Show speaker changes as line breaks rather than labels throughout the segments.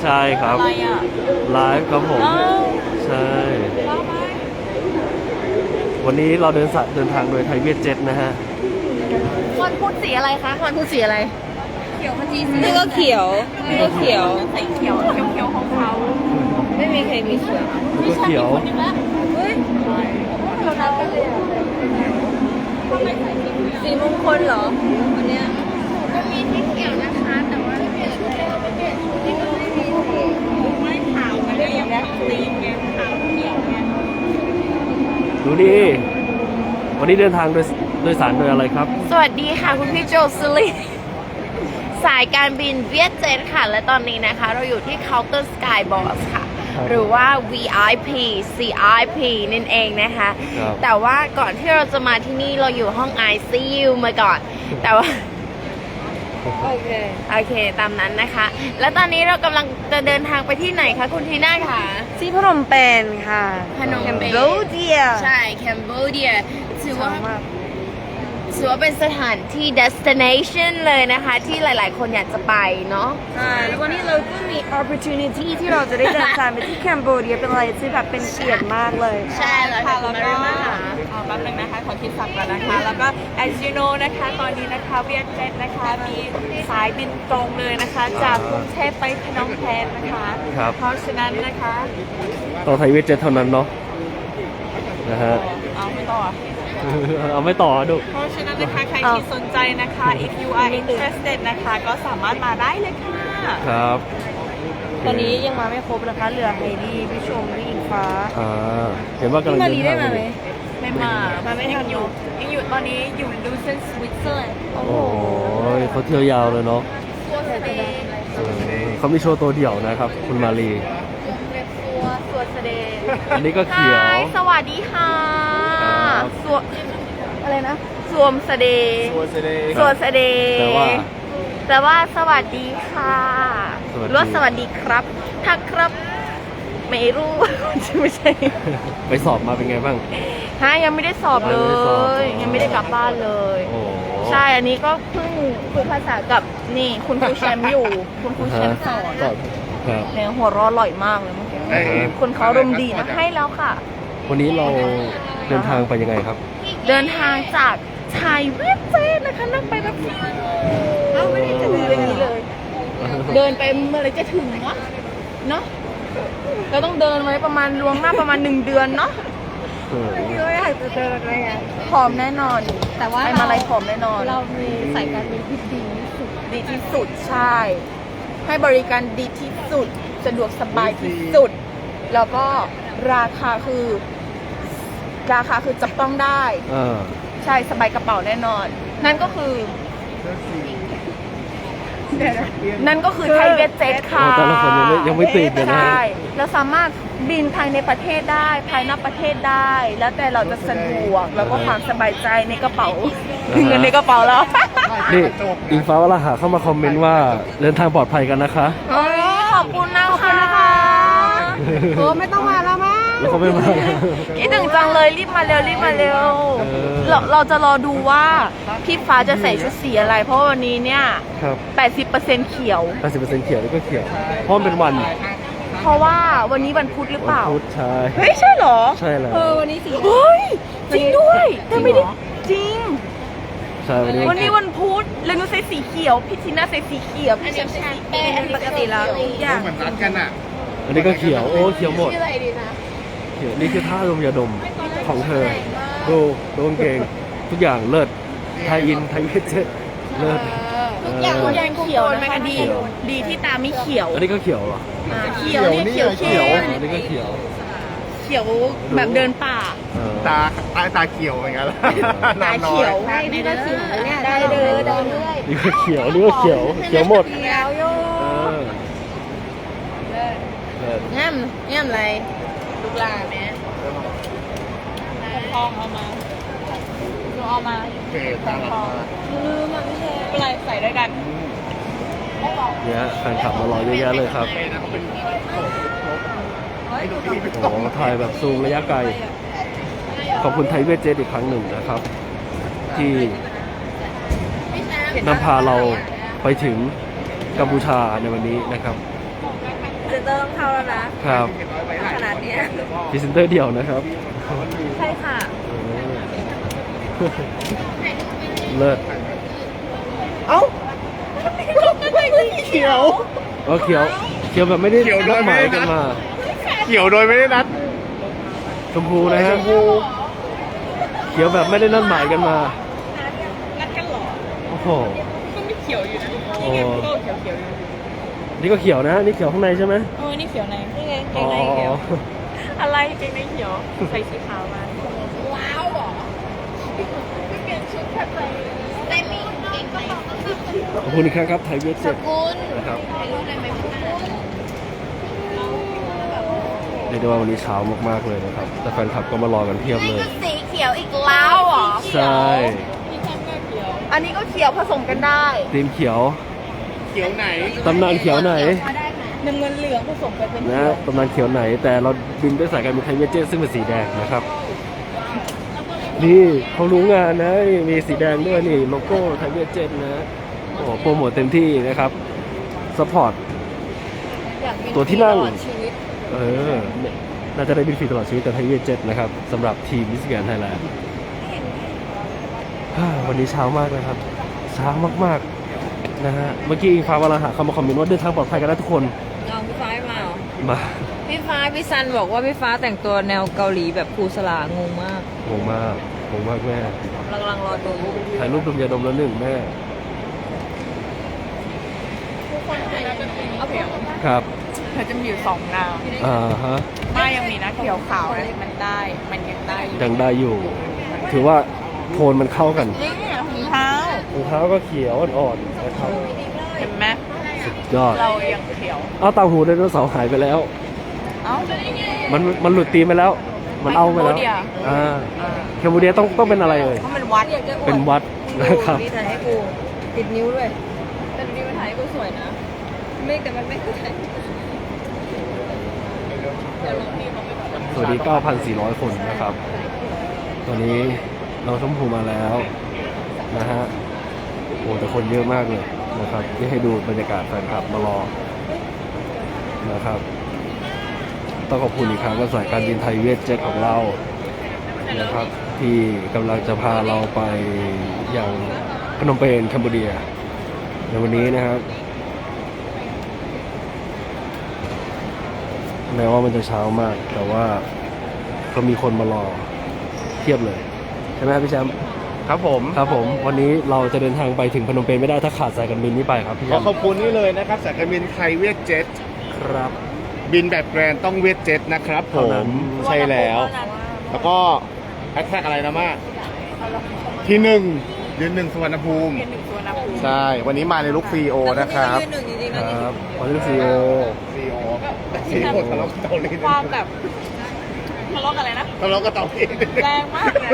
ใช่ครับ
อะไรอ่ะ
ไลฟ์ครับผมใช่วันนี้เราเดินทางโดยไทยเวียดเจ็ตนะฮะ
คอนพูดสีอะไรคะคอนพูดสีอะไรเขียวขจีสี
นี่ก็เขียวนี่ก็เขียว
สีเขียวเขียวของเขา
ไม่มีใครมีเขียว
แล้วก็เขียว
คนนึงละเฮ้ยเรานัดกันเลย
สีมงคลเหรอวันเนี้ย
ก็มีที่เขียวนะคะแต่ว่าไม่เปลี่ยนชุดเลยไม่เปลี่ยนชุดที่มันไม่มีไม่ขาวมันก็ยังตีนไงขาวเขียวไง
ดูดิวันนี้เดินทางโดยสารโดยอะไรครับ
สวัสดีค่ะคุณพี่โจซิลีสายการบินเวียดเจ็ตค่ะและตอนนี้นะคะเราอยู่ที่ Counter Sky Boss ค่ะ
ครับ
หรือว่า VIP CIP นั่นเองนะคะ
ครับ
แต่ว่าก่อนที่เราจะมาที่นี่เราอยู่ห้อง ICU มาก่อน แต่ว่า
โอเค
โอเคตามนั้นนะคะ และตอนนี้เรากำลังจะเดินทางไปที่ไหนคะคุณทีน่าคะ
ที่พนมเปญค่ะ
พนมเปญ
แคมโบเดีย
ใช่แคนเบเดียถือว่า
มาก
ถือว่าเป็นสถานที่ destination เลยนะคะ ที่หลายๆ คนอยากจะไปเนาะ
ใช่แล้ววันนี้เราก็มี opportunity ที่เราจะได้เดินทางไปที่แคมโบเดียเป็นอะไรที่แบบเป็นเกียรติมากเลย
ใช่แล้ว
ค่ะ
ค่ะ
แล้ว
คุณ
ก็
มาริมาค่ะ
แป๊บนึงนะคะขอคิดสับก่อนนะคะ แล้วก็ as you know นะคะตอนนี้นะคะเวียดเจ็ตนะคะมีสายบินตรงเลยนะคะ จากกรุงเทพไปพนมเปญนะคะ
ครับ
เพราะฉะนั้นนะคะ
ต้องไทยเวียดเจ็ตเท่านั้นเนาะนะฮะ
เอาไม่ต่อ
เอาไม่ต่อดู
เพราะฉะนั้นนะคะใครที่สนใจนะคะ if you are interested นะคะก็สามารถมาได้เลยค่ะ
ครับ
ตอนนี้ยังมาไม่ครบนะคะเหลือไฮดี้พี่ชมพี่อิงฟ้า
อ่าเห็นว่ากำลัง
มา
เดิ
รี
น
ได้
ทาง
มาไหม
ไม่มา
ไม่ทัน
ยังอยู่ตอนนี้อยู่ลูเซนสวิตเซอร์แลนด์
โอ้โหเขาเที่ยวยาวเลยเนาะเขามีโชว์ตัวเดี่ยวนะครับ คุณมารี
สวดเสดง
อันนี้ก็เขียว
สวัสดีค่ะ
ครับ
สวดอะไรนะ สวมเสดงสวดเสดง
แต่ว่า
แต่ว่าสวัสดีค่ะ
สวัสดี
หรือว่าสวัสดีครับ ถ้าครับ ไม่รู้ ไม่ใช่
ไปสอบมาเป็นไงบ้าง
ฮะยังไม่ได้สอบเล
ยังไม่ได้สอบ
ย ยังไม่ได้กลับบ้านเลย
โอ้โห
ใช่ อันนี้ก็เพิ่งคุยภาษากับนี่คุณครูแชมป์อยู่ คุณครูแชมป์สอน
ครับ
เนี่ยหัวเร้อร่อยมากเลยเมื่อกี้
อ่าฮะ
คนเขารมณ์ดีนะให้แล้วค่ะ
วันนี้เราเดินทางไปยังไงครับ
เดินทางจากชายเวียดเจนนะคะนั่งไปแบบเราไม่ได้จะเดินอย่างนี้เลย เดินไปเมื่อไรจะถึงวะเนาะเราต้องเดินไว้ประมาณล่วงหน้าประมาณ1 เดือนเนาะ
ก็อยากจะเดินเลยอ่ะ
ผอมแน่นอน
แต่ว่า
ไปมาอะไรผอมแน่นอน
เรามีสายการบินที่ดีที่สุด
ดีที่สุดใช่ ให้บริการดีที่สุดสะดวกสบายที่สุด แล้วก็ราคาคือจับต้องได้
เออ
ใช่สบายกระเป๋าแน่นอน นั่นก็คือไทยเวทเจ็ตค่ะ
โอ้แต่ละคนยังไม่ตื่นเลยนะ
ใช่เราสามารถบินภายในประเทศได้ภายนอกประเทศได้ แล้วแต่เราจะสะดวกแล้วก็ความสบายใจในกระเป๋าเงินในกระเป๋าแล้ว
นี่อิงฟ้าวราหะเข้ามาคอมเมนต์ว่าเดินทางปลอดภัยกันนะคะ
โอ้ยขอบคุณนะคะ
ไม่ต้องมาแล้วมั้ง
แล้วเขาไม่มา
คิดถึงจังเลยรีบมาเร็วรีบมาเร็ว เราจะรอดูว่าพี่ฟ้าจะใส่ชุดสีอะไร เพราะวันนี้เนี่ย
ครับ
80%เขียว
80%เขียวแล้วก็เขียว เพราะมันเป็นวัน
เพราะว่าวันนี้วันพุธหรือเป
วัน
ล่า
พุธใช่
เฮ้ย ใช่เหรอ
ใช่แล้ว
วันนี้สี
เฮ้ย จริงด้วยแต่ไม่ได้จริง
ใช่วันนี้
วันนี้วันพุธแล้วหนูใส่สีเขียว พี่ทีน่าใส่สีเขียว พี่แชมป์ใส่สีแดง
ปกติแล้วทุกอย่าง
เหมือนรัดกันอ่ะ
อันนี้ก็เขียว โอ้เขียวหมด
ชื่ออะไรดีนะ
เขียวนี่คือท่าดมยาดมของเธอ ดูกางเกงทุกอย่างเลิศ ไทยอิน ไทยเวทเจ็ตเลิศ
ทุกอย่าง
เออ
ทุกอย่างเขียวนะคะดี
เขียว
ดีที่ตาไม่เขียว
อันนี้ก็เขียวเหรอ
เขียวเนี่ยเขียว
เขี
เข้
ยว
ม
อันนี้ก็เขียว
เขียวแบบเดินป่า
เออ
ตาเขียวเหมือนกัน
ตาเขียว
ได้นี่ก็เขียวเนี่ย
ได้เลยได้เลย
นี่ก็เขียว นี่ก็เขียว เขียวหมด
เขียวโย
เออเลิศ
ง่ำอะไรลูกหลานแม่
ทองเอามาหนูเอามา
โอเคตาลัด
ลืมมันไม่ใช่
เป็นไรใส่ด้วยกัน
เนี่ยแฟนคลับมารอเยอะแยะเลยครับ โอ้โหถ่ายแบบซูมระยะไกล ขอบคุณไทยเวทเจ็ตอีกครั้งหนึ่งนะครับ ที่นำพาเราไปถึงกัมพูชาในวันนี้นะครับ
เตอร์ต้องเข้าแล้วนะครับ ขนาดเนี้ย
พรีเซนเตอร์เดี่ยวนะครับ
ใช่ค่ะ
เลิศ
เอ้า
เขียว
อ๋อเขียวเขียวแบบไม่ได้
เขียวโด
นั
ย
ดห
ไม่
มาย
ได้
กัน
นัด
มา
เขียวโดยไม่ได้นัด
ชมพูนะฮะเขียวแบบไม่ได้นัดหมายกันมา
นัดกันเหรอ
โอ้โห
ก็ไม่เขียวอยู่นะ
โอ้
ก็เขียวอยู่
นี่ก็เขียวนะ นี่เขียวข้างในใช่ไหม
นี่เขียวในนี่ไง
อ๋อ
อะไรเกงในเขียวใส่สีขาวมาว้าวเหรอไม่เปลี่ยนชุดแค่ไปได้มีเกงใน
ขอบคุณอีกครั้งครับไทยเวทเจ็ด
คุณ
นะครับ
ถ่ายรูปได้ไหมคุณ
เรียกได้ว่าวันนี้เช้ามากๆเลยนะครับ แต่แฟนคลับก็มารอกันเพียบเลย
สีเขียวอีกแล้วเหรอ
ใช่
อันนี้ก็เขียวผสมกันได้
ทีมเขียว
เขียวไหน
ตำนานเขียวไหน
น้ำเงินเหลืองผสมกันเป็น
นะตำนานเขียวไหน แต่เราบินด้วยสายการบินไทยเวทเจ็ตซึ่งเป็นสีแดงนะครับ นี่เขารู้งานนะนี่มีสีแดงด้วยนี่โลโก้ไทยเวทเจ็ตนะโอ้โปรโมทเต็มที่นะครับสปอร์ต ตัวที่นั่ง เออน่าจะได้บินฟรีตลอดชีวิตกับไทยเวทเจ็ตนะครับสำหรับทีมมิสแกรนด์ไทยแลนด์วันนี้เช้ามากนะครับเช้ามากๆนะฮะเมื่อกี้อิงฟ้าวราหะเขามาคอมเมนต์ว่าเดินทางปลอดภัยกันนะทุกคน
น้องพี่ฟ้ามาเหรอ
มา
พี่ซันบอกว่าพี่ฟ้าแต่งตัวแนวเกาหลีแบบครูสลางงมาก
งงมากงงมากแม่
กำลังรอดู
ถ่ายรูปดมยาดมแล้วหนึ่งแม่ครับ
เธอจะมีอยู่สองแนว
ฮะ
ไม่ยังมีนะเขียวขาวนะมันได้มันยังได้อยู่
ยังได้อยู่ ถือว่าโทนมันเข้ากัน
นี่ถุงเท้าร
องเท้าก็เขียวอ่อนๆนะครับ
เห็นไหม
สุดยอด
เรายังเขียว
เอาเต่างหูไดโนเสาร์หายไปแล้ว
เอ้า
มันหลุดตีมไปแล้ว มันเอาไปแล้ว
แคมโบเดีย
แคมโบเดียต้องเป็นอะไรเอ่ย
เพราะมันวัด
เป็นวัดนะครับ
นี่ถ่ายให้กูติดนิ้วด้วยแต่ดูดีมันถ่ายให้กูสวยนะไม่แต่มันไม่คือถ่าย
สวัสดี 9,400 คนนะครับ ตอนนี้น้องชมพูมาแล้วนะฮะ โอ้แต่คนเยอะมากเลยนะครับที่ให้ดูบรรยากาศแฟนคลับมารอนะครับ ต้องขอบคุณอีกครั้งกับสายการบินไทยเวทเจ็ตของเรานะครับ ที่กำลังจะพาเราไปยังพนมเปญแคนเบอร์เรียในวันนี้นะครับแม้ว่ามันจะเช้ามาก แต่ว่าก็มีคนมารอเทียบเลยใช่ไหมครับพี่แชมป์
ครับผม
ครับผมวันนี้เราจะเดินทางไปถึงพนมเปญไม่ได้ถ้าขาดสายการบินนี้ไปครับพี่แช
ขอ
ม
ขอบ
ป์
คุณนี่เลยนะครับสายการบินไทยเวียดเจ็ต
ครับ
บินแบบแกรนด์ต้องเวียดเจ็ตนะครับผ
เท่านั้
ม
น
ใช่แล้ว แล้วก็แฮชแท็กอะไรนะมากที่หนึ่งยืนหนึ่งสุวรรณภูมิ
เป็นหนึ่งตัวนะคุณ
ใช่ วันนี้มาในลุคซีโอนะครับ
ยืนหนึ่งจริงๆ
ค
นะ
รับวันนี้ซีโอ
ซีโอซีโอทะเลาะกับเตาลี
ความแบบทะเลาะกันอะไรนะ
ทะเลาะกับเตาลี
แรงมากเลย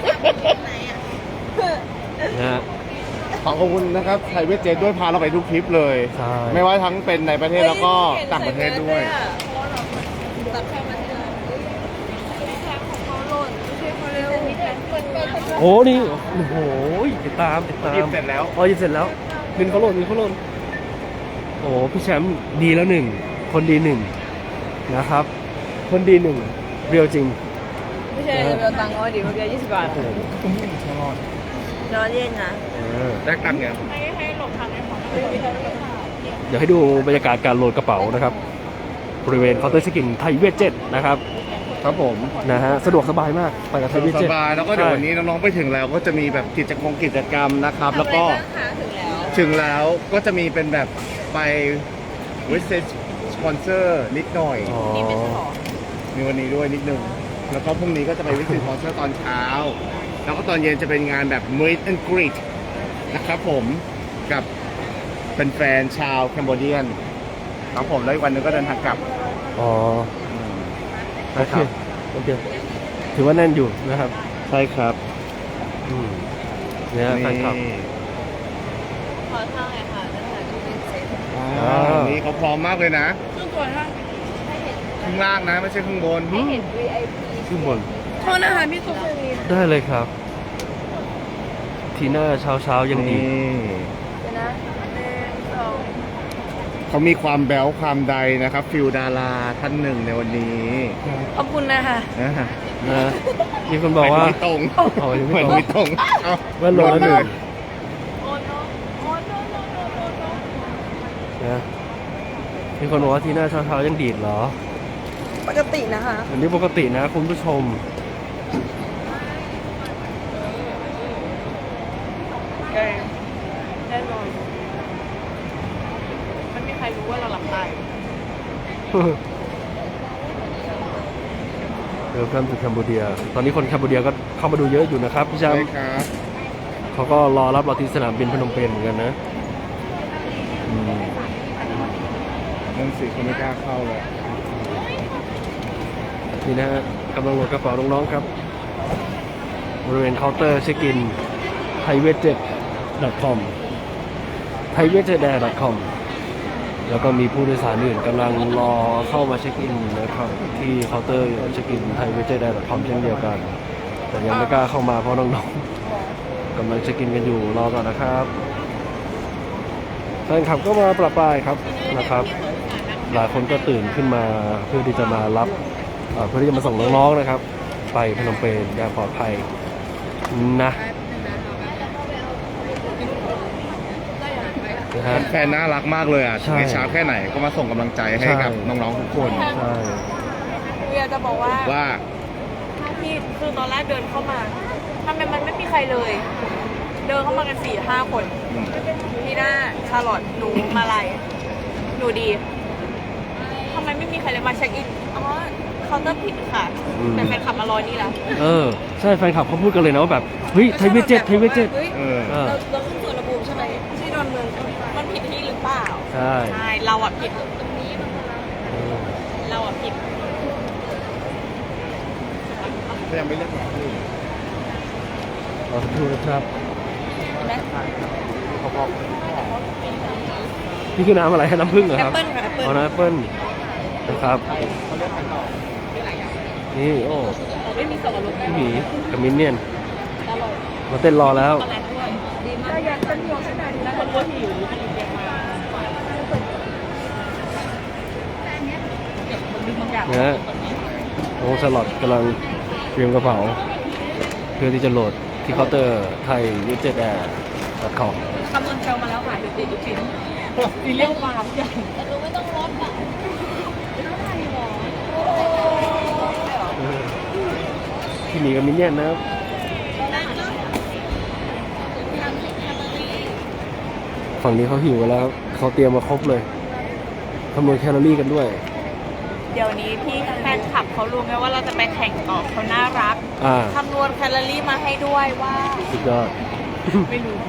นะฮะ
ขอขอบคุณนะครับไทยเวียดเจ็ตด้วยพาเราไปทุกทริปเลย
ใช่
ไม่ว่าทั้งเป็นในประเทศแล้วก็ต่างประเทศด้วย
ตัดเข้ามาที่ร้านเขาหล่นไม่ใช่เขาเร็ว
โอ้นี่โอ้โหติดตาม
หยิบเสร็จแล้ว
อ๋อหยิบเสร็จแล้วเงินเขาหล่นโอ้พี่แชมป์ดีแล้วหนึ่งคนดีหนึ่งนะครับ คนดีหนึ่งเรียวจริง
ไม่ใช่จะไปเอาตังค์เอาดิเมื่อกี้20 บาท
โอ้โห
นอนเล่นนะ
แลกตังค์ไง
ให้หลบทางให้ของ
เดี๋ยวให้ดูบรรยากาศการโหลดกระเป๋านะครับ บริเวณเคาน์เตอร์เช็คอินไทยเวทเจ็ตนะครับ ครับผมนะฮะสะดวกสบายมากไปกับไทยเวท
ส
เจ็ต
บายแล้วก็เดี๋ยววันนี้น้องๆไปถึงแล้วก็จะมีแบบกิจกรรมนะครับ แล้วก็ถึงแล้วก็จะมีเป็นแบบไปวิสิตสปอนเซอร์นิดหน่อย
อ๋อ
มีวันนี้ด้วยนิดนึงแล้วก็พรุ่งนี้ก็จะไปวิสิตสปอนเซอร์ตอนเช้า แล้วก็ตอนเย็นจะเป็นงานแบบ Meet and Greet นะครับผมกับเป็นแฟนๆชาวแคนเบอร์เรียนครับผมแล้วอีกวันหนึงก็เดินทางกลับ
อ๋อ
ใช่ครับ
โอเคถือว่าแน่นอยู่นะครับ
ใช่ครับ
เนี่ยแฟนคลับ
ขอทางเลยค่ะจะถ่ายรูปเป็นเซต
นี่เขาพร้อมมากเลยนะ
ซึ่งตัวท่าน
ข้างล่างนะไม่ใช่ข้างบน
เห็น VIP
ขึ้นบน
โทษนะคะพี่ตุ๊ก
ได้เลยครับ ทีหน้าเช้ายังดี
เดี๋ยวนะ1 2
เขามีความแบ๊วความใดนะครับ ฟิลดาราท่านหนึ่งในวันนี้
ขอบคุณนะคะ
นะฮะ
นะมีคนบอกว่า
ไม่ตรง
เอายัง
เหมื
ไม่
อน
ตรง
ไม่ตรงเอา
แว่นโลละหนึ่งนะมีคนบอกว่าที่หน้าเช้าๆยังดีดเหรอ
ปกตินะคะ
อันนี้ปกตินะคุณผู้ชม
แน่นอนมันไม่มีใครรู้ว่าเราหลับตาย
เดี๋ยวกันถึงแคนเบเดีย ตอนนี้คนแคนเบเดียก็เข้ามาดูเยอะอยู่นะครับพี่แช
ใช่
มป์
ครับ
เขาก็รอรับเราที่สนามบินพนมเปญเหมือนกันนะอืม
นั่นสิคนไม่กล้าเข้าเลย
นี่นะฮะกำลังโหลดกระเป๋าน้องๆครับ บริเวณเคาน์เตอร์เช็คอิน thaiwestjet.com thaiwestjet.com แล้วก็มีผู้โดยสารอื่นกำลังรอเข้ามาเช็คอินนะครับที่เคาน์เตอร์เช็คอิน thaiwestjet.com เช่นเดียวกัน แต่ยังไม่กล้าเข้ามาเพราะน้องๆกำลังเช็คอินกันอยู่รอก่อนนะครับแฟนคลับก็มาประปรายครับนะครับ หลายคนก็ตื่นขึ้นมาเพื่อที่จะมารับเพื่อที่จะมาส่งน้องๆนะครับ ไปพนมเปญอย่างปลอดภัยนะนะฮะ
แฟนน่ารักมากเลยอ่ะ
ใช่
ถึงจะช้าแค่ไหนก็มาส่งกำลังใจให้กับ
ใช่
น้องๆทุกคน
ใช่
เวียจะบอกว่า
ว่า
พี่คือตอนแรกเดินเข้ามาทำไมมันไม่มีใครเลย เดินเข้ามากัน4-5 คนพี่หน้าชาลอตหนูมาลัยหนูดีทำไมไม่มีใครเลยมาเช็คอินอ๋อเคาน์เตอร์ผิดค่ะแต่แฟนขับมารอนี่แล้ว
ใช่แฟนคลับเขาพูดกันเลยนะว่าแบบเฮ้ยไทยเวจเจ็ตไทยเวจเจ็ต
เออ
เราขึ้นส่วนระบุใช่ไหมที่ดอนเมืองมันผิดที่หรือเปล่า
ใช่
ใช่เราอ่ะผิด
เออ
เราอ่ะผิด
ถ้ายังไม่เลือกหมอที่
รอสักครู่นะครับนี่คือน้ำอะไรฮะน้ำผึ้งเหรอครับ
แอปเปิ้ลค่ะแอปเปิ้ล
อ๋อน้ำแอปเปิ้ลนะครับนี่โอ้
ไม่มีส่วนลด
พี่หมีกับมินเนี่ยนมาเต้นรอแล้ว
อะไรด้วยดีมากอยากเป็นห่วงขนาดนี้แล้วคนก็หิว
นะฮะโอ้สล็อตกำลังเตรียมกระเป๋า เพื่อที่จะโหลดที่เคาน์เตอร์ไทยยูเจ็ตแอร์.com
คำนวณเชลมาแล้วค่ะเดี๋ยวติดทุกชิ้นมีเรื่องฟาร์มใหญ่แต่รู้ไม่ต้องลดอ่ะ
พี่หมีกับมินเนี่ยนนะครับฝั่งนี้เขาหิวกันแล้วครับเขาเตรียมมาครบเลยคำนวณแคลอรี่กันด้วย
เดี๋ยวนี้พี่แฟนคลับเขารู้ไหมว่าเราจะไปแข่งต่อเขาน่ารัก คำนวณแคลอรี่มาให้ด้วยว่า
สุดยอด
ไม่รู้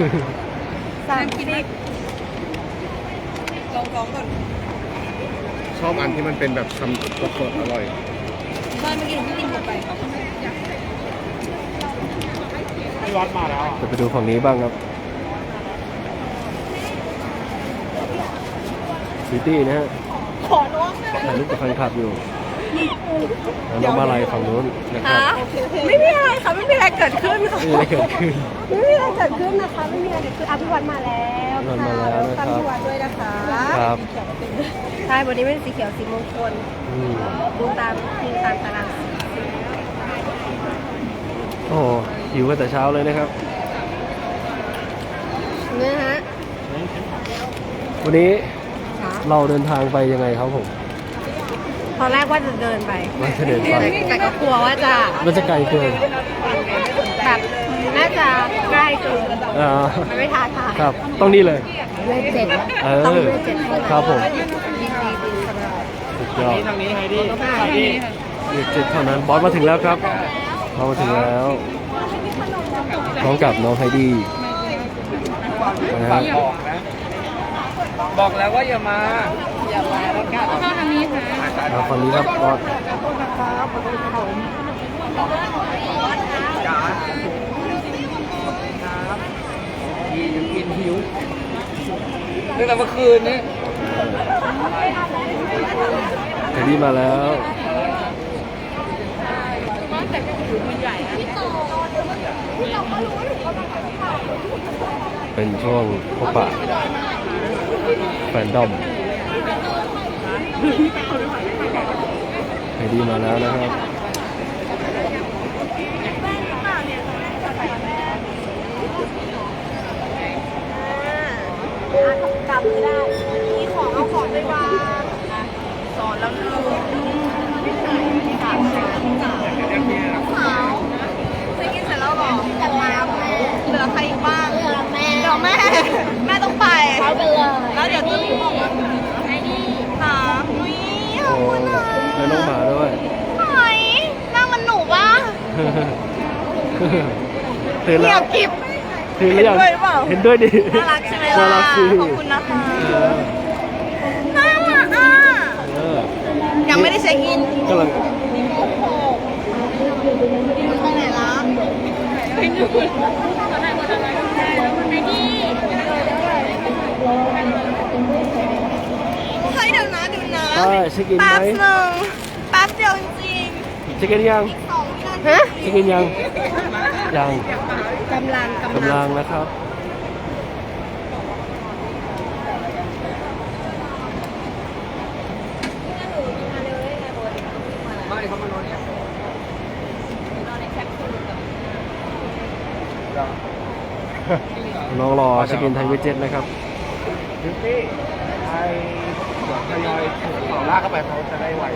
30ลองก่อน
ชอบอันที่มันเป็นแบบทำสดๆอร่อย
บ้านเมื่อกี้หนูพี่กินหมดไป
พี่วัดมาแล้วอ่ะ
จะไปดูฝั่งนี้บ้างครับซิตี้นะฮะ
ขอล้วงนะ
ถ่ายรูปกับแฟนคลับอยู่แล้วน้องมาลายฝั่งนู้นนะครับ
ไม่มีอะไรค่ะ ไม่มีอะไรเกิดขึ้นค่ะ
นี่อะไรเกิดขึ้น
ไม่มีอะไรเกิดขึ้นนะคะ ไม่มีอะไรเกิดขึ้นอภิวัตมาแล้ว
อภิวัตมาแล้วนะครับ
ตามภิวัตด้วยนะคะ
ครับ
ใช่วันนี้เป็นสีเขียวสีมงคล
อืม
ดูตามตามตารางสี
โอ้โหหิวกันแต่เช้าเลยนะครับ
นะฮะ
วันนี้เราเดินทางไปยังไงครับผม
ตอนแรกว่าจะเดินไป
ว่าจะเดินไป
แต่ก็กลัวว่าจะ
มันจะไกลเกิน
แบบน่าจะใกล้เกิน
อ่า
มันไม่ท้าทาย
ครับ ต้องนี่เลย
เวทเจ็ด
เออ
ต้องเวทเจ็ดเท่านั้น
ครับผม
ยินดีสำหรับ
สุดยอด
ทางนี้ใครดี
เด็กเจ็ดเท่านั้นบอสมาถึงแล้วครับเรามาถึงแล้วพร้อมกับน้องไฮดี้นะครับ
บอกแล้วว่าอย่ามา
มาฝั่งนี้ครับบอส
ตั้งแต่เมื่อคืนนี้
ไฮดี้มาแล้ว เป็นช่วงพบปะแฟนดอมไฮดี้มาแล้วนะครับ
กลับไม่ได้ มีของเอาของไปวางสอนแล้วลูกสาวเคยกินเสร็จแล้วหรอแต่แล้วแม่เหลือใครอีกบ้างเหลือแม่แม่ต้องไปเขาไปเลยแล้วเดี๋ยวจะมีไอ้นี่ค่ะนุ้ยขอบ
โอ้
คุณนะ
แล้วน้องหมาด้วย
หอยนั่งมันหนูปะ
ตื่น
เงี
แล้
ยว บกิบ
ตื่นหรือยัง
เห็นด้วยหรือเปล่า
เห็นด้วยดิ
น่ารักใช่ไหมล่ะ
น่ารักสิ
ขอบคุณนะคะ
เออ
น่ารักอ่ะ
เออ
ยังไม่ได้เช็คอิน
กำลัง
ไปไหนล่ะเฮ้ยเดี๋ยวนะ
ใช่เช็คอินไหม
แป๊บหนึ่งแป๊บเดียวจริง
เช็คอินยัง
ๆ2 วินาที
เช็คอินยังยัง
กำลัง
กำลังนะครับ น้องรอเช็คอินไทยเวจเจ็ตนะครับ
บิวตี้ไอทยอยต่อลากเข้าไปเขาจะได้ไว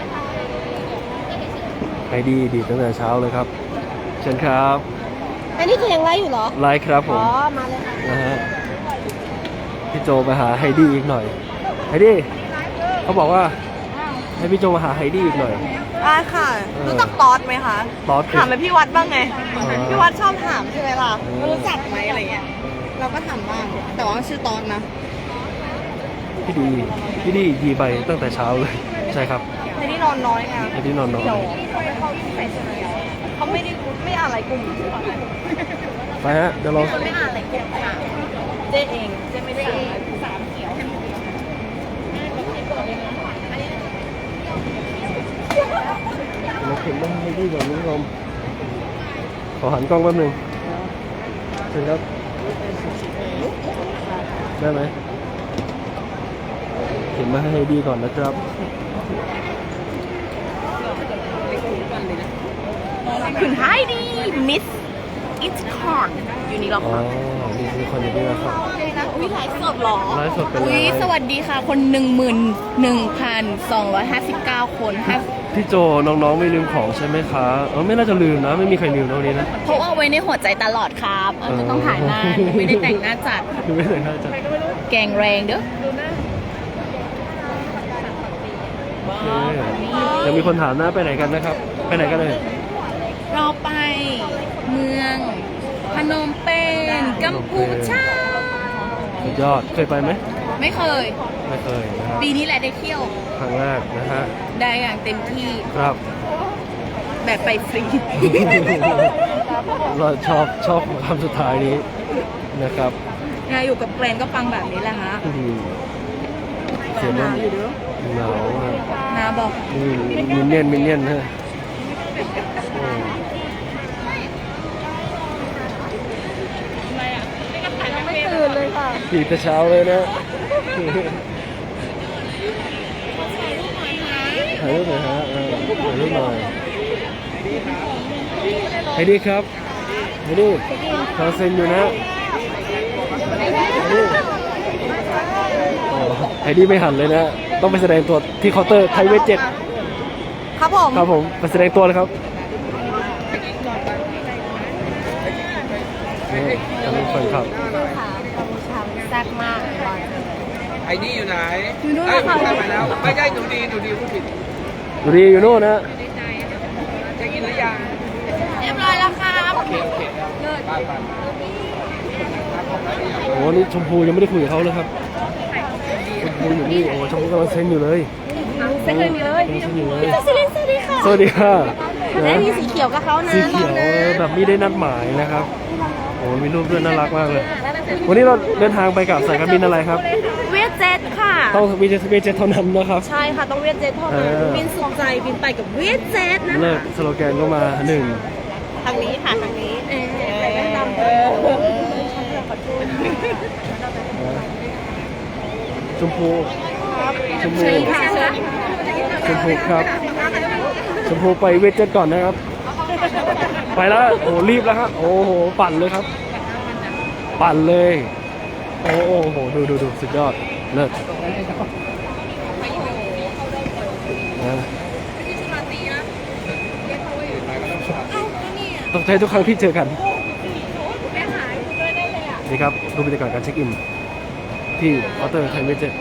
ไฮดี้ดีดตั้งแต่เช้าเลยครับ เชิญครับ
อันนี้คือยังไลฟ์อยู่เหรอ
ไลฟ์ครับผม
มาเลยค่ะ
นะฮะพี่โจมาหาไฮดี้อีกหน่อย ไฮดี้เขาบอกว่าให้พี่โจมาหาไฮดี้อีกหน่อย
ได้ค่ะ รู้จักตอดไหมคะ
ตอสคือ
ถามไปพี่วัดบ้างไง
อ๋อ
พี่วัดชอบถามใช่ไหมล่ะ
อืม
รู้จักไหมอะไรเงี้ย เราก็ถามบ้าง แต่ว่าชื่อตอดนะ
พี่ดีดีไปตั้งแต่เช้าเลย ใช่ครับ
ในนี่นอนน้อยไง
ไฮดี้นอนน้อย
เดี๋ยวเขาไปใช่ไหมเขาไม่อ่านอะไรกลุ่ม
ไปฮะเดี๋ยวเรา
ไม่อ่านอะไรกลุ่มค่ะเจ๊เองเจ๊ไม่ได้อ่านสามเขียว
เราเข็นมาไฮดี้ก่อนคุณผู้ชมขอหันกล้องแป๊บหนึงเชิญครับได้ไหมเข็นมาให้ไฮดี้ก่อนนะครับ
คุณไฮดี้มิสอิทคอร์นอยู่นี่หรอ
อ๋อนี่คือคนอยู่นี่นะครับ
อุ้ยไลฟ์สดเหรอ
ไลฟ์สดเป็น
อุ้ย
ไลฟ์
สวัสดีค่ะ คน 11,259 คนค่ะ
พี่โจน้องๆไม่ลืมของใช่ไหมคะไม่น่าจะลืมนะ ไม่มีใครลืมนะวันนี้นะ
เพราะว่าไว้ในหัวใจตลอดครับจะต้องถ่ายหน้าไม่ได้แต่งหน้าจัด
ไม่แต่งหน้าจัด
แกงแรงเด้อ
โอเคยังมีคนถามนะไปไหนกันนะครับ ไปไหนกันเลย
เราไปเมืองพนมเปญกัมพูชา
สุดยอดเคยไปไหม
ไม่เคย
ไม่เคยนะครับ
ปีนี้แหละได้เที่ยว
ครั้งแรกนะฮะ
ได้อย่างเต็มที่
ครับ
แบบไปฟรี
เราชอบคำสุดท้ายนี้นะครับ
งานอยู่กับแกรนก็ฟังแบบนี้แหละฮะ
อืมเสียงมันหนาวนะ
นาบอก
มินเนี่ยนฮะอืม
ไม่ตื่นเลยค่ะ
ตีแต่เช้าเลยนะถ่ายรูปหน่อยฮะถ่ายรูปหน่อยไฮดี้ครับไฮดี้ขอเซ็นอยู่นะไฮดี้ไม่หันเลยนะ ต้องไปแสดงตัวที่เคาน์เตอร์ไทยเวทเจ็ด
ครับผม
ครับผมไปแสดงตัวเลยครับนี่จะเป็นคนขับ
แซ่บมาก
ไอ้นี่อยู่ไหนอยู่นู่นค่ะไปแล้ว ไม่ใช่หนูดีพูดผิด
ดูดีอยู่โน่นนะ
จะกินหรือยัง
เรียบร้อยแล้วครับ
โอเคไป
โอ้นี่ชมพูยังไม่ได้คุยกับเขาเลยครับชมพูอยู่นี่โอ้ชมพูกำลังเซ็นอยู่เลยเซ็นเลยเซ็นอยู่เลย
สวัสดีค่ะ
สวัสดีค่ะ
ได้
นะ
มีสีเขียวกับเขานะ
สีเขียวแบบไม่ได้นัดหมายนะครับโอ้มีรูปด้วยน่ารักมากเลย วันนี้เราเดินทางไปกับสายการบินอะไรครับ
เวียดเจ็ตค่ะ
ต้องวีเจเท่านั้นนะครับ
ใช่ค่ะ ต้องเวียดเจ็ตเท่านั้น บินสุขใจบินไปกับเวียดเจ็ตนะ
เลิกสโลแกนก็มาหนึ่ง
ทางนี้ค่ะทางนี้
ชมพูชมพูชมพูครับชมพูไปเวทเจ็ตก่อนนะครับ ไปแล้วโอ้รีบแล้วครับโอ้โหปั่นเลยครับ ปั่นเลยโอ้โหดูสุดยอดเลิศนะต้องใช้ทุกครั้งที่เจอกันนี่ครับดูบรรยากาศการเช็คอินที่เคาน์เตอร์ไทยเวทเจ็ต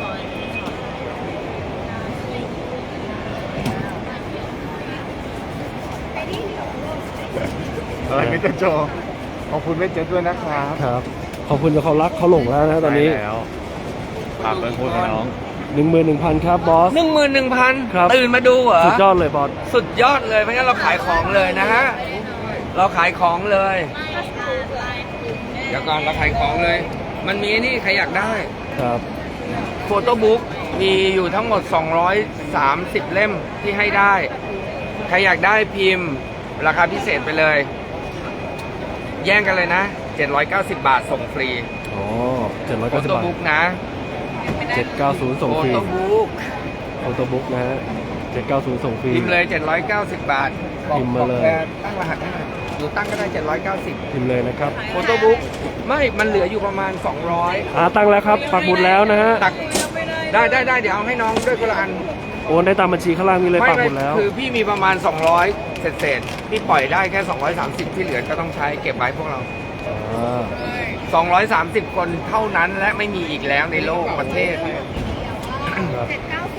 อะไรมิสเตอร์โจขอบคุณเวทเจ็ตด้วยนะครับ
ครับขอบคุณกับเขารักเขาหลงแล้วนะตอนนี้
ได้แล้วฝากเป็นคุณน้อง
11,000 ครับบอส
11,000
ครับ
ตื่นมาดูเหรอ
สุดยอดเลยบอส
สุดยอดเลยเพราะงั้นเราขายของเลยนะฮะ เราขายของเลย เดี๋ยวก่อนเราขายของเลย มันมีนี่ใครอยากได้
ครับ
โฟโต้บุ๊กมีอยู่ทั้งหมด 230 เล่มที่ให้ได้ ใครอยากได้พิมพ์ ราคาพิเศษไปเลย แย่งกันเลยนะ 790 บาทส่งฟรี
อ๋อ
โฟ
790
โต้
บาท
บุ๊กนะ
790 ส่ง
โฟ
ฟรี
โต้บุ๊ก
โฟโต้บุ๊กนะฮะ790 ส่งฟรี
พิมพ์เลย 790 บาทบอก
พิมพ์มาเลย
บอกแกตั้งรหัสให้หน่อยหนูตั้งก็ได้ 790
พิมพ์เลยนะครับ
โฟโต้บุ๊กไม่มันเหลืออยู่ประมาณ 200
ตั้งแล้วครับปักหมุดแล้วนะฮะ
ตักได้เดี๋ยวเอาให้น้องด้วยคนละอัน
โอนได้ตามบัญชีข้างล่างมีเลยปักหมุดแล้ว
คือพี่มีประมาณ 200 เศษพี่ปล่อยได้แค่ 230 ที่เหลือก็ต้องใช้เก็บไว้พวกเรา
อ่า
230 คนเท่านั้นและไม่มีอีกแล้วในโลกประเทศ
ครับ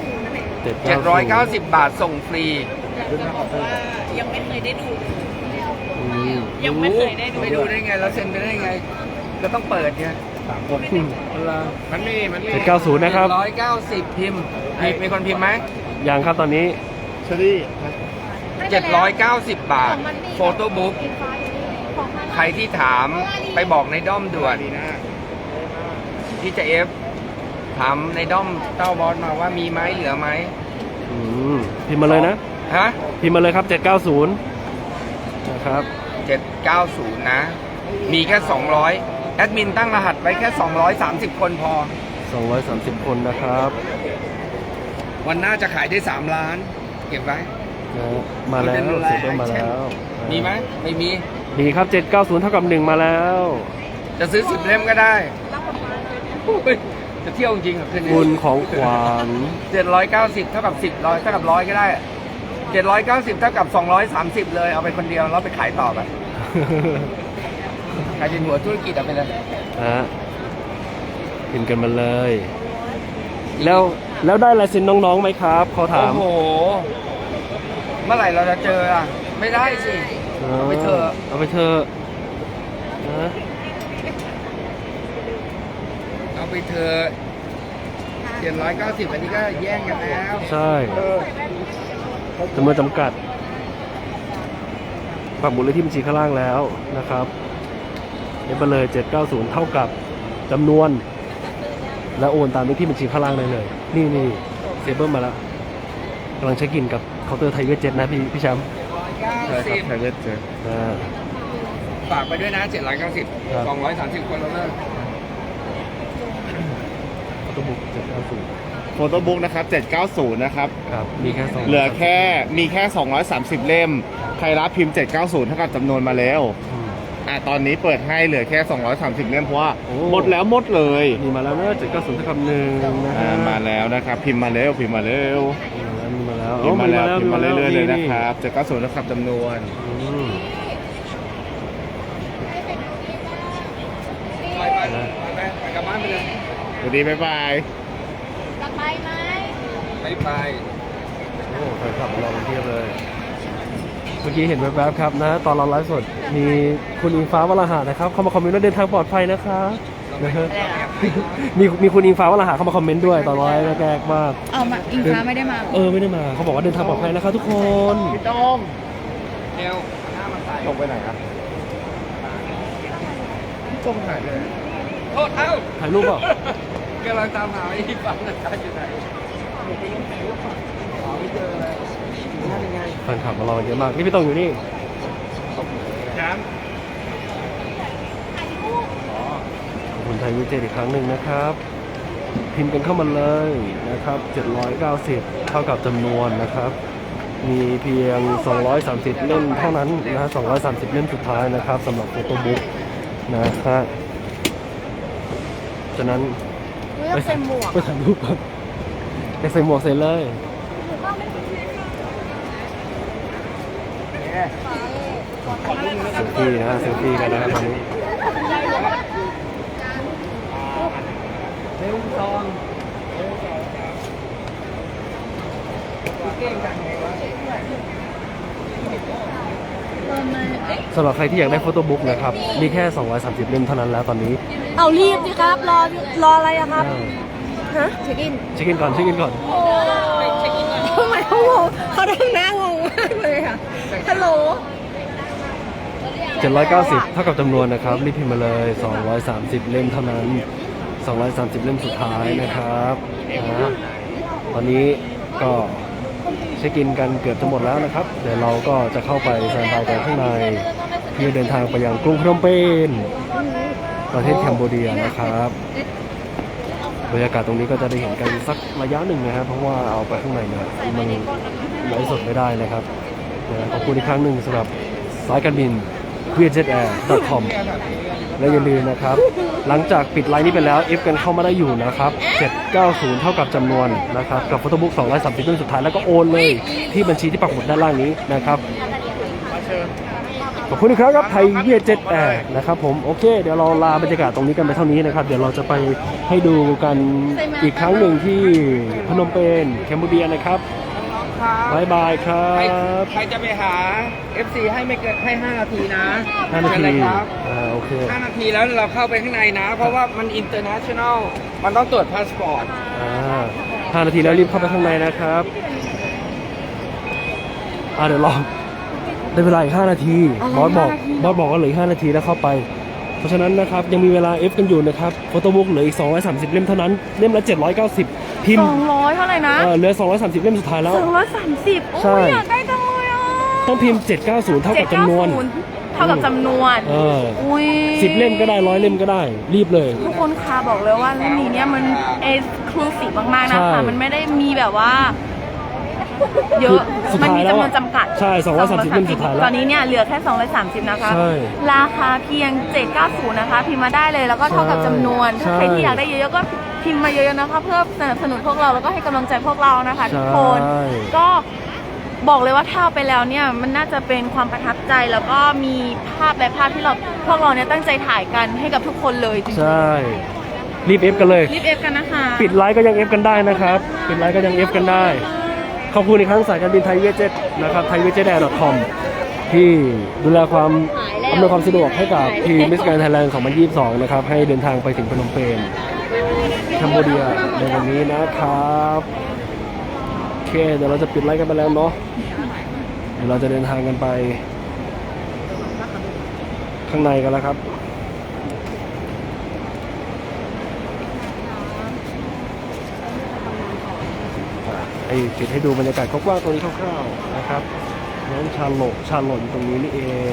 790 บาทส่งฟรี
ยังไม่เคยได้ดู
อืม
ยังไม่เคยได้ดู
ไม่ดูได้ไงแล้วเซ็นไปได้ไง ก็ต้องเปิดไง
มันมี
790 นะครับ
790 พิมพ์มีคนพิมพ์ไหม
ยังครับตอนนี้
เชอรี่
790 บาท โฟโต้บุ๊กใครที่ถามไปบอกในด้อมด่วน
ดีนะ
ที่จะเอฟถามในด้อมเต้าบอสมาว่ามีไหมเหลือไหม
อืมพิมพ์มาเลยนะ
ฮะ
พิมพ์มาเลยครับ 790 นะครับ
790 นะ มีแค่ 200 แอดมินตั้งรหัสไว้แค่ 230 คนพอ
230 คนนะครับ
วันหน้าจะขายได้ 3 ล้าน เก็บไว้
นะฮะมาแล้วเสร็จมาแล้ว
มีไหมไม่มี
มีครับ 790 เท่ากับ 1 มาแล้ว
จะซื้อ 10 เล่มก็ได้โอ้ยจะเที่ยวจริงๆเหรอคืนนี้
บุญของขวัญ
790 เท่ากับ 10ร้อยเท่ากับร้อยก็ได้ 790 เท่ากับ 230 เลย เอาไปคนเดียวแล้วไปขายต่อไปใครเป็นหัวธุรกิจเอาไปเลย
ฮะพิมพ์กันมาเลย แล้วได้ลายเซ็นน้องๆไหมครับเขาถาม
โอ้โห เมื่อไหร่เราจะเจออ่ะ ไม่ได้สิ เอาไปเถอะ
เอาไปเถอะนะ
เอาไปเถอะ790 อันนี้ก็แย่งกันแล้ว
ใช่จำนวนจำกัดปักหมุดเลขที่บัญชีข้างล่างแล้วนะครับเอฟไปเลย 790 เท่ากับจำนวน และโอนตามเลขที่บัญชีข้างล่างได้เลย นี่เซเบิลมาแล้วกำลังเช็คอินกับเคาน์เตอร์ไทยเวทเจ็ตนะพี่แชมป์
ใช่ครับไทยเวทเจ็ต
ฝากไปด้วยนะ 790
ครับ
230 คนแล้วนะ
เคาน์เตอร์บุ๊ก790
โฟโต้บุ๊กนะครับ 790 นะครับ
ครับมีแค่2
เหลือมีแค่ 230 เล่ม ใครรับพิมพ์ 790 เท่ากับจำนวนมาแล้ว ตอนนี้เปิดให้เหลือแค่ 230 เล่มเพราะว่า
โอ้
หมดแล้วหมดเลย
มีมาแล้วนะ790 เท่ากับ1นะฮะ
มาแล้วนะครับ พิมพ์มาเร็วพิมพ์มาเร็ว
มีมาแล้ว
พิมพ์มาแล้ว
โ
พิมพ์มาเรื่อยๆเลยนะครับ790 เท่ากับจำนวน
อืม
ไปกลับบ้านไปเลย
สวัสดีบ๊ายบาย
ไป
โอ้แฟนคลับของเราเป็นเพียบเลย เมื่อกี้เห็นแวบๆครับนะ ตอนเราไลฟ์สดมีคุณอิงฟ้าวราหะนะครับ เข้ามาคอมเมนต์ว่าเดินทางปลอดภัยนะคะนะฮะมีคุณอิงฟ้าวราหะเข้ามาคอมเมนต์ด้วยตอนไลฟ์แรกๆมาก
เอามาอิงฟ้าไม่ได้มา
ไม่ได้มาเขาบอกว่าเดินทางปลอดภัยนะครับทุกคน
พี่ต้อม
เร็วหน้ามันใส่
ลงไปไหนครับพี่ต้อมหายไปไหน
โทษเอ้า
ถ่ายรูปเปล่าก
ำลังตามหาไอ้ฟังนะครับอยู่ไหนหาไม่เจอเลยนั่นยังไง
แฟนคลับของเราเยอะมากนี่พี่ตรงอยู่นี่
แชมป์
ขอบคุณไทยวิเจตอีกครั้งหนึ่งนะครับพิมพ์กันเข้ามาเลยนะครับ790เท่ากับจำนวนนะครับ มีเพียง230เล่มเท่านั้นนะฮะ230เล่มสุดท้ายนะครับสำหรับโฟโต้บุ๊กนะฮะฉะนั้น
ไม่ต้องใส่หมวก
ไปถ่ายรูปก่อนไปใส่หมวกใส่เลยเซลฟี่นะเซลฟี่กันนะครับตอนนี้สำหรับใครที่อยากได้โฟโต้บุ๊กนะครับมีแค่230เล่มเท่านั้นแล้วตอนนี้
เอารีบสิครับ รออะไรอะครับ ฮะ
เช็คอินก่อนเช็คอินก่อน
ทำไมเขางงเขาทำหน้างงมากเลยอะฮัลโหล
790เท่ากับจำนวนนะครับรีบพิมพ์มาเลย230เล่มเท่านั้น230เล่มสุดท้ายนะครับนะตอนนี้ก็เช็คอินกันเกือบจะหมดแล้วนะครับเดี๋ยวเราก็จะเข้าไปแซนบายกันข้างในเพื่อเดินทางไปยังกรุงพนมเปญประเทศแคนเบเดียนะครับบรรยากาศตรงนี้ก็จะได้เห็นกันสักระยะหนึ่งนะครับเพราะว่าเอาไปข้างในเนี่ยมันไลฟ์สดไม่ได้นะครับขอบคุณอีกครั้งหนึ่งสำหรับสายการบินvietjetair.com และอย่าลืมนะครับหลังจากปิดไลน์นี้ไปแล้วเอฟกันเข้ามาได้อยู่นะครับ790เท่ากับจำนวนนะครับกับโฟโต้บุ๊ก230เล่มสุดท้ายแล้วก็โอนเลยที่บัญชีที่ปักหมุดด้านล่างนี้นะครับขอบคุณอีกครั้งครับไทยเวียดเจ็ตแอร์นะครับผมโอเคเดี๋ยวเราลาบรรยากาศตรงนี้กันไปเท่านี้นะครับเดี๋ยวเราจะไปให้ดูกันอีกครั้งหนึ่งที่พนมเปญแคนเบเดียนะครับบายบายครั
ใคร
บ
จะไปหา FC ให้ไม่เกินให้5 นาทีนะ
5 นา
เชิญ
ที
เลยครับ
โอเค
5 นาทีแล้วเราเข้าไปข้างในนะ เพราะว่ามัน international มันต้องตรวจพาสปอร์ต
5 นาทีแล้วรีบเข้าไปข้างในนะครับเดี๋ยวรอได้เวลาอีก5 นาทีบอสบอกว่าเหลืออีก5 นาทีแล้วเข้าไปเพราะฉะนั้นนะครับยังมีเวลา F กันอยู่นะครับโฟโต้บุ๊กเหลืออีก230เล่มเท่านั้นเล่มละ790พิมพ์
200เท่าไหร่นะ
เหลือ230เล่มสุดท้ายแล้ว
230
ใช่
โอ้ยอยากได้จังเลยอ่ะ
ต้องพิมพ์790เท่ากับจำนวน
790เท่ากับจำนวน อุ้ย
10เล่มก็ได้100เล่มก็ได้รีบเลย
ทุกคนคะบอกเลยว่าเรื่องนี้เนี่ยมันเอ็กซ์คลูซีฟมากๆนะคะ
ใช่
มันไม่ได้มีแบบว่า เยอะ
สุด
มัน
ท้าย
มี
แล้ว
จำนวนจำกัด
ใช่230เล่มสุดท้ายแล้ว
ตอนนี้เนี่ยเหลือแค่230นะคะ
ใช่
ราคาเพียง790นะคะพิมพ์มาได้เลยแล้วก็เท่ากับจำนวน
ใช่
ถ้าใครที่อยากได้เยอะๆก็พิมพ์มาเยอะๆนะคะเพื่อสนับสนุนพวกเราแล้วก็ให้กำลังใจพวกเรานะคะทุกคน
ใช่
ก็บอกเลยว่าถ้าเอาไปแล้วเนี่ยมันน่าจะเป็นความประทับใจแล้วก็มีภาพและภาพที่พวกเราเนี่ยตั้งใจถ่ายกันให้กับทุกคนเลยจริง
ใช่รีบ F กันเลย
ๆรีบเอฟกันนะคะ
ปิดไลฟ์ก็ยัง F กันได้นะครับปิดไลฟ์ก็ยัง F กันได้ขอบคุณอีกครั้งสายการบินไทยเวียดเจ็ตนะครับไทยเวียดเจ็ตแอร์ .com ที่ดูแลความอำนวยความสะดวกให้กับทีมมิสแกรนด์ไทยแลนด์ 2022 นะครับให้เดินทางไปถึงพนมเปญแคนเบเดียในวันนี้นะครับโอเคเดี๋ยวเราจะปิดไลฟ์กันไปแล้วเนาะเดี๋ยวเราจะเดินทางกันไปข้างในกันแล้วครับปิดให้ดูบรรยากาศกว้างๆตรงนี้คร่าวๆนะครับน้องชาโลอยู่ตรงนี้นี่เอง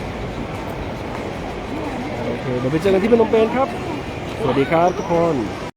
โอเคเดี๋ยวไปเจอกันที่พนมเปญครับสวัสดีครับทุกคน